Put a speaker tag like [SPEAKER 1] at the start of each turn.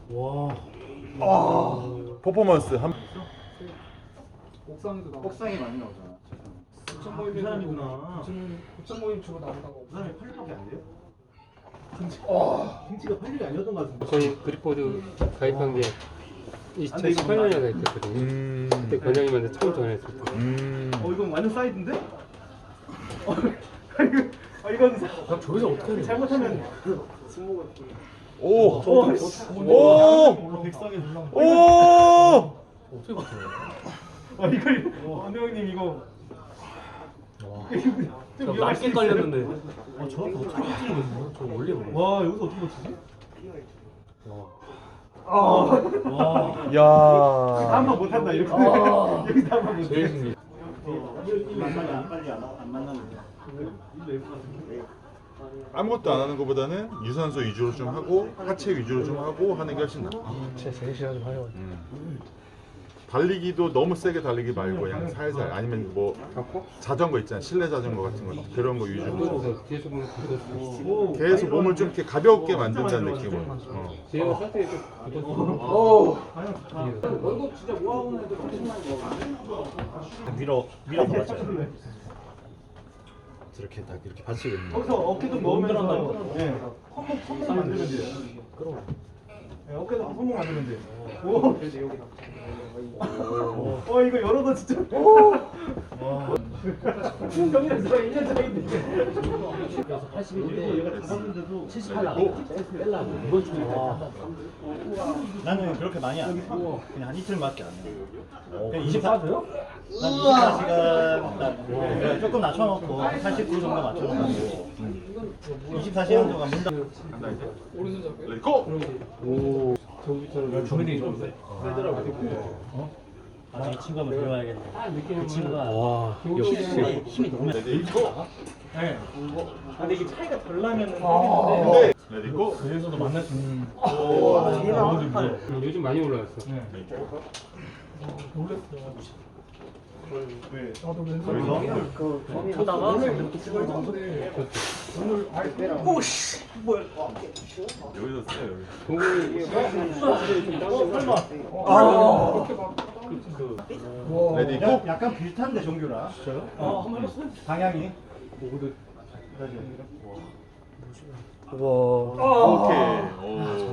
[SPEAKER 1] 와.
[SPEAKER 2] 퍼포먼스 한.
[SPEAKER 3] 옥상에도 나오고.
[SPEAKER 1] 옥상이 많이 나오잖아.
[SPEAKER 3] 고천 모임에도
[SPEAKER 1] 부산이구나.
[SPEAKER 3] 고천 모임 주로 나온다고.
[SPEAKER 1] 부산에 8일밖에 안 돼요? 김치가 8일이 아니었던 것 같은데.
[SPEAKER 4] 저희 그리포드 가입한 게 2018년에 가입했거든요. 그때 권장님한테 처음 전화했을 때.
[SPEAKER 1] 이건 완전 사이드인데? 이건
[SPEAKER 3] 저기서 어떻게 해야 돼?
[SPEAKER 1] 잘못하면
[SPEAKER 2] 오. 오.
[SPEAKER 1] 백성에
[SPEAKER 2] 오.
[SPEAKER 3] 어떻게 봤어요?
[SPEAKER 1] 이거 안대 형님 이거
[SPEAKER 3] 낮게 깔렸는데. 저렇게 어떻게 버티는 거지? 저 원래 모르겠어.
[SPEAKER 1] 와 여기서 어떻게 버티지?
[SPEAKER 2] 야.
[SPEAKER 1] 다음번 못한다 이렇게 여기 다음번 못해.
[SPEAKER 3] 제일 신기해.
[SPEAKER 1] 빨리 안 만나면
[SPEAKER 2] 아무것도 안 하는 것보다는 유산소 위주로 좀 하고 하체 위주로 좀 하고 하는 게 훨씬 나아.
[SPEAKER 3] 제 제일 싫어하는 화요.
[SPEAKER 2] 달리기도 너무 세게 달리기 말고 그냥 살살 아니면 뭐 자전거 있잖아 실내 자전거 같은 거 그런 거 위주로
[SPEAKER 4] 그래서 뒤에서 보면 그거
[SPEAKER 2] 계속 몸을 좀 이렇게 가볍게 만든다는 느낌으로.
[SPEAKER 4] 뒤에가 살짝 좀 굳었어.
[SPEAKER 3] 월급 진짜 모아오는 애들 엄청나게
[SPEAKER 1] 밀어서 맞춰요. 저렇게 딱 이렇게 받치고 있는 거기서 어깨 좀 넣으면서 손목 만들면 돼요. 네, 어깨도 손목 만들면 돼요. 이거 열어도 진짜. 경력서 1년 차인데.
[SPEAKER 3] 그래서 81인데 78 나가. 뺄라고 이번 주에
[SPEAKER 5] 나는 그렇게 많이 안 해. 그냥 한 이틀밖에 안 해. 그냥
[SPEAKER 3] 24도요?
[SPEAKER 5] 난 24시간 조금 낮춰놓고 89 정도 맞춰놓고 24시간 동안 문다.
[SPEAKER 2] 간다 이제. 렛고.
[SPEAKER 3] 주민이 좀
[SPEAKER 5] 이 친구 한번 데려와야겠네. 이 친구가
[SPEAKER 3] 와,
[SPEAKER 5] 역시 힘이 너무 많아.
[SPEAKER 2] 렛고.
[SPEAKER 5] 네. 근데 이게 차이가 덜 나면은 모르겠는데
[SPEAKER 2] 렛고.
[SPEAKER 5] 그래서도 만날 수 있는.
[SPEAKER 4] 요즘 많이 올라왔어.
[SPEAKER 2] 여기서 써요 여기.
[SPEAKER 4] 동공이
[SPEAKER 2] 레디 고.
[SPEAKER 5] 약간 비슷한데 종교랑. 방향이.
[SPEAKER 2] 오케이. 오.